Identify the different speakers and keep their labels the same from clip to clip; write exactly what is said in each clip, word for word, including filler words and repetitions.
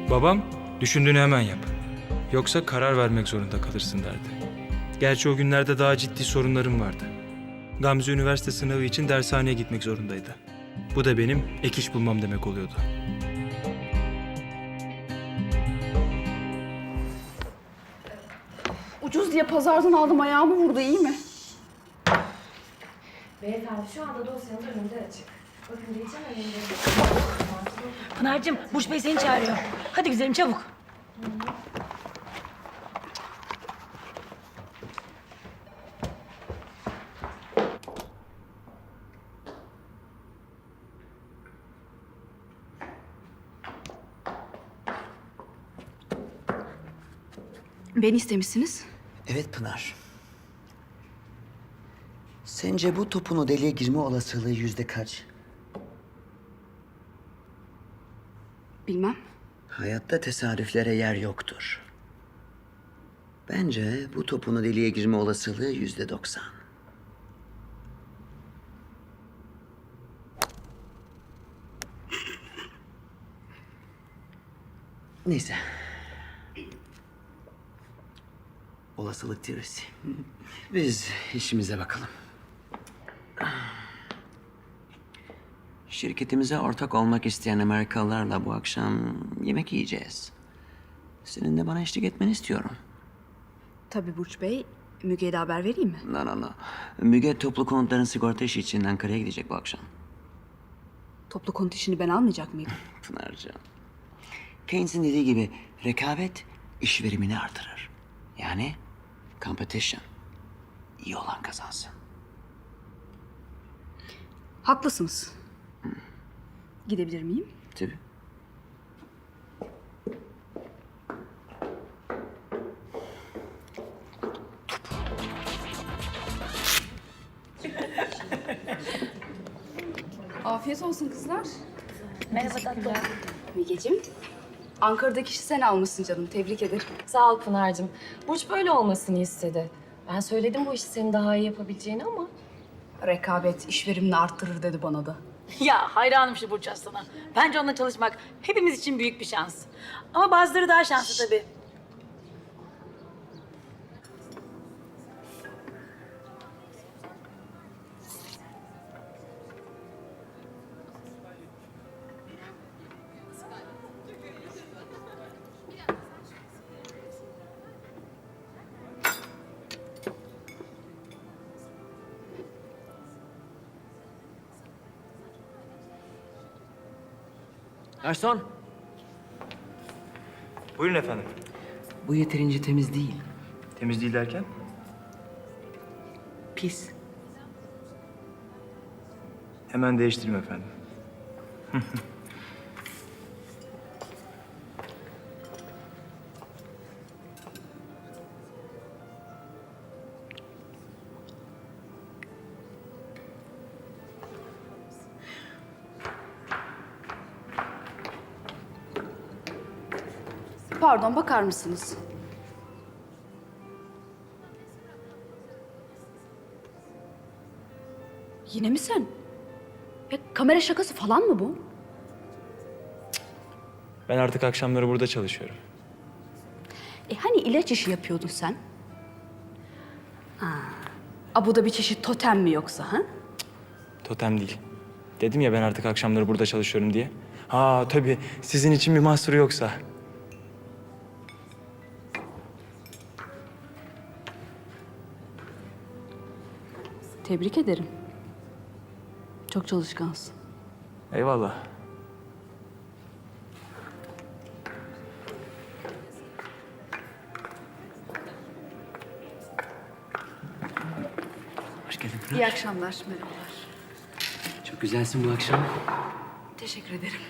Speaker 1: Babam düşündüğünü hemen yap. Yoksa karar vermek zorunda kalırsın derdi. Gerçi o günlerde daha ciddi sorunlarım vardı. Gamze üniversite sınavı için dershaneye gitmek zorundaydı. Bu da benim ek iş bulmam demek oluyordu.
Speaker 2: Ucuz diye pazardan aldım, ayağımı vurdu, iyi mi?
Speaker 3: Beyefendi şu anda dosyanın önünde açık. Bakın diyeceğim önünde.
Speaker 4: Pınar'cığım, Burç Bey seni çağırıyor. Hadi güzelim çabuk.
Speaker 2: Beni istemişsiniz.
Speaker 5: Evet Pınar. Sence bu topun o deliğe girme olasılığı yüzde kaç?
Speaker 2: Bilmem.
Speaker 5: Hayatta tesadüflere yer yoktur. Bence bu topun o deliğe girme olasılığı yüzde doksan. Neyse. Olasılık teorisi. Biz işimize bakalım. Şirketimize ortak olmak isteyen Amerikalılarla bu akşam yemek yiyeceğiz. Senin de bana eşlik etmeni istiyorum.
Speaker 2: Tabii Burç Bey, Müge'ye de haber vereyim mi?
Speaker 5: No, no, no. Müge toplu konutların sigorta işi için Ankara'ya gidecek bu akşam.
Speaker 2: Toplu konut işini ben almayacak mıydım?
Speaker 5: Pınar'cığım. Keynes'in dediği gibi rekabet iş verimini artırır. Yani competition. İyi olan kazansın.
Speaker 2: Haklısınız. Gidebilir miyim?
Speaker 5: Tabii.
Speaker 2: Afiyet olsun kızlar.
Speaker 4: Merhaba tatlım.
Speaker 2: Mügeciğim, Ankara'daki işi sen almışsın canım. Tebrik ederim.
Speaker 3: Sağ ol Pınar'cığım. Burç böyle olmasını istedi. Ben söyledim bu işi senin daha iyi yapabileceğini ama...
Speaker 2: Rekabet iş verimini arttırır dedi bana da.
Speaker 4: Ya hayranım şu Burç Aslan'a. Bence onunla çalışmak hepimiz için büyük bir şans. Ama bazıları daha şanslı tabii.
Speaker 5: Erson,
Speaker 1: Buyurun efendim.
Speaker 5: bu yeterince temiz değil.
Speaker 1: Temiz değil derken?
Speaker 5: Pis.
Speaker 1: Hemen değiştireyim efendim.
Speaker 2: Pardon, bakar mısınız? Yine mi sen? Ya kamera şakası falan mı bu?
Speaker 1: Ben artık akşamları burada çalışıyorum.
Speaker 2: E hani ilaç işi yapıyordun sen? Ha. A, bu da bir çeşit totem mi yoksa ha?
Speaker 1: Totem değil. Dedim ya ben artık akşamları burada çalışıyorum diye. Ha tabii sizin için bir mahsuru yoksa.
Speaker 2: Tebrik ederim. Çok çalışkansın.
Speaker 1: Eyvallah.
Speaker 5: Hoş geldin Pınar.
Speaker 2: İyi akşamlar, merhabalar.
Speaker 5: Çok güzelsin bu akşam.
Speaker 2: Teşekkür ederim.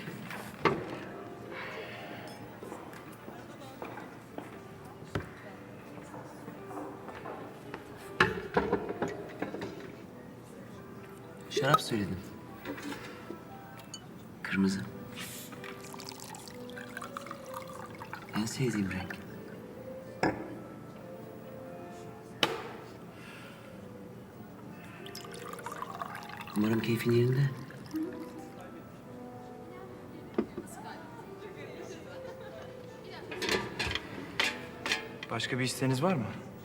Speaker 5: Şarap söyledim. Kırmızı. En sevdiğim renk. Umarım keyfin yerinde.
Speaker 1: Başka bir isteğiniz var mı?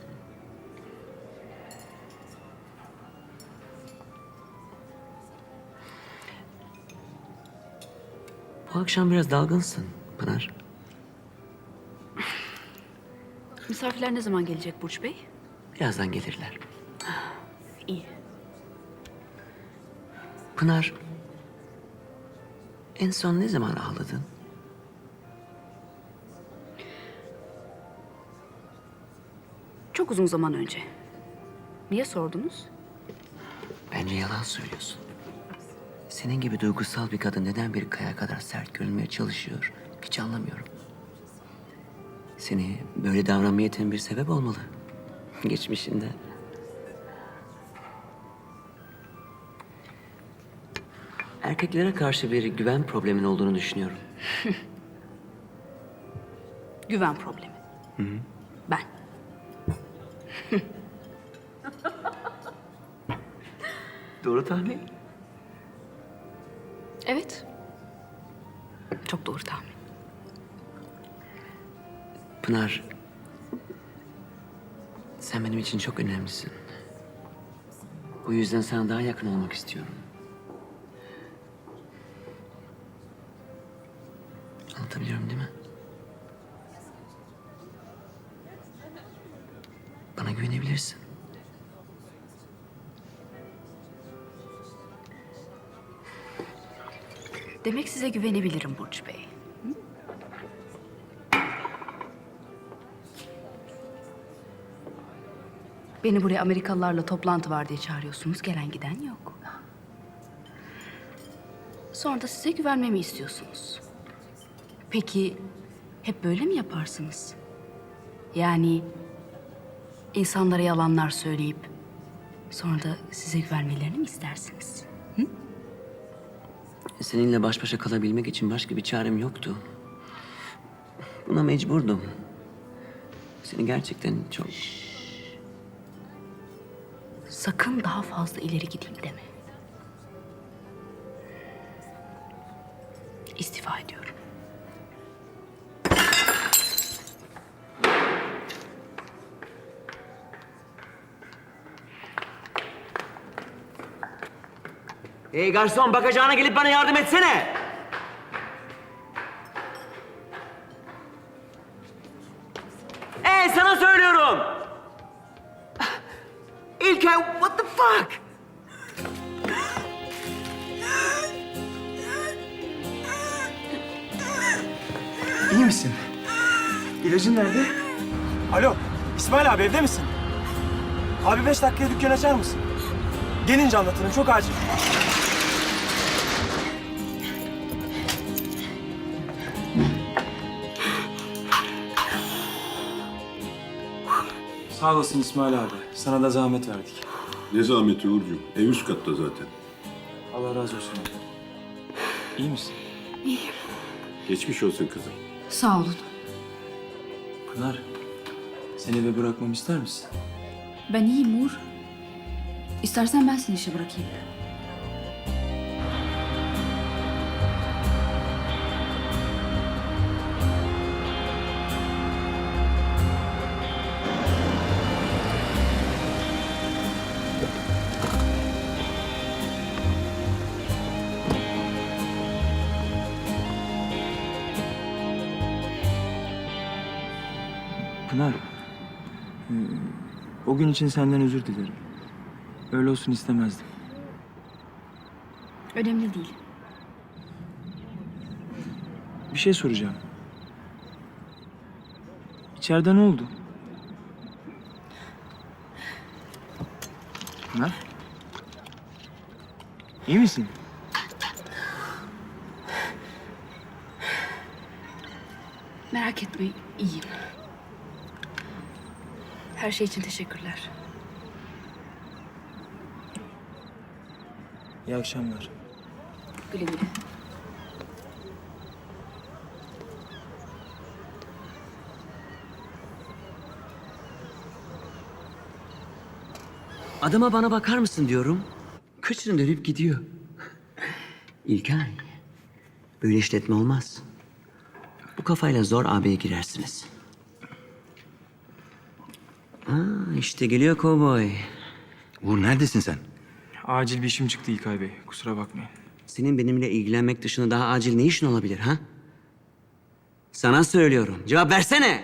Speaker 5: Bu akşam biraz dalgınsın Pınar.
Speaker 2: Misafirler ne zaman gelecek Burç Bey?
Speaker 5: Birazdan gelirler.
Speaker 2: İyi.
Speaker 5: Pınar, en son ne zaman ağladın?
Speaker 2: Çok uzun zaman önce. Niye sordunuz?
Speaker 5: Bence yalan söylüyorsun. Senin gibi duygusal bir kadın neden bir kaya kadar sert görünmeye çalışıyor? Hiç anlamıyorum. Seni böyle davranmaya iten bir sebep olmalı. Geçmişinde. Erkeklere karşı bir güven problemin olduğunu düşünüyorum.
Speaker 2: Güven problemi. Ben.
Speaker 5: Doğru tahmin.
Speaker 2: Evet. Çok doğru tahmin.
Speaker 5: Pınar, sen benim için çok önemlisin. Bu yüzden sana daha yakın olmak istiyorum. Anlatabiliyorum değil mi? Bana güvenebilirsin.
Speaker 2: Demek size güvenebilirim Burç Bey. Hı? Beni buraya Amerikalılarla toplantı var diye çağırıyorsunuz. Gelen giden yok. Sonra da size güvenmemi istiyorsunuz. Peki hep böyle mi yaparsınız? Yani insanlara yalanlar söyleyip sonra da size güvenmelerini mi istersiniz?
Speaker 5: Seninle baş başa kalabilmek için başka bir çarem yoktu. Buna mecburdum. Seni gerçekten çok...
Speaker 2: Sakın daha fazla ileri gideyim deme. İstifa ediyorum.
Speaker 5: Hey garson, bakacağına gelip bana yardım etsene. Hey, sana söylüyorum. İlker, what the fuck?
Speaker 1: İyi misin? İlacın nerede?
Speaker 6: Alo, İsmail abi evde misin? Abi beş dakikaya dükkan açar mısın? Gelince anlatırım, çok acil.
Speaker 1: Sağ olasın İsmail abi. Sana da zahmet verdik.
Speaker 7: Ne zahmeti Uğurcuğum? Ev üst katta zaten.
Speaker 1: Allah razı olsun abi. İyi misin?
Speaker 7: Geçmiş olsun kızım.
Speaker 2: Sağ olun.
Speaker 1: Pınar, seni eve bırakmamı ister misin?
Speaker 2: Ben iyiyim Uğur. İstersen ben seni işe bırakayım.
Speaker 1: Pınar, hmm, o gün için senden özür dilerim. Öyle olsun istemezdim.
Speaker 2: Önemli değil.
Speaker 1: Bir şey soracağım. İçeride ne oldu? Pınar? İyi misin?
Speaker 2: Merak etme, iyiyim. Her şey için teşekkürler.
Speaker 1: İyi akşamlar.
Speaker 2: Güle güle.
Speaker 5: Adama bana bakar mısın diyorum. Kıçını dönüp gidiyor. İlkay, böyle işletme olmaz. Bu kafayla zor A B'ye girersiniz. Aa, işte geliyor kovboy.
Speaker 8: Uğur neredesin sen?
Speaker 1: Acil bir işim çıktı İlkay Bey. Kusura bakmayın.
Speaker 5: Senin benimle ilgilenmek dışında daha acil ne işin olabilir ha? Sana söylüyorum. Cevap versene.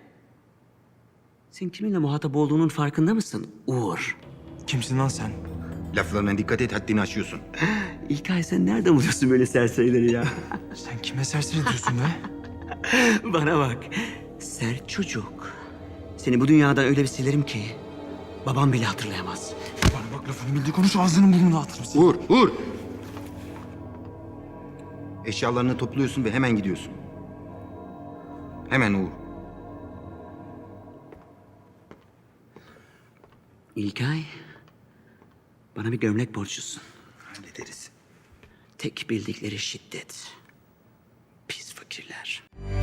Speaker 5: Sen kiminle muhatap olduğunun farkında mısın Uğur?
Speaker 1: Kimsin lan sen?
Speaker 8: Laflarına dikkat et, haddini aşıyorsun.
Speaker 5: İlkay sen nereden buluyorsun böyle serserileri ya?
Speaker 1: Sen kime serseri diyorsun be?
Speaker 5: Bana bak. Sert çocuk. Seni bu dünyadan öyle bir silerim ki babam bile hatırlayamaz.
Speaker 1: Bana bak, lafını bildiği konuş, ağzının burnunu atırım seni.
Speaker 8: Uğur, Uğur! Eşyalarını topluyorsun ve hemen gidiyorsun. Hemen Uğur.
Speaker 5: İlkay, bana bir gömlek borçlusun.
Speaker 8: Hallederiz.
Speaker 5: Tek bildikleri şiddet. Pis fakirler.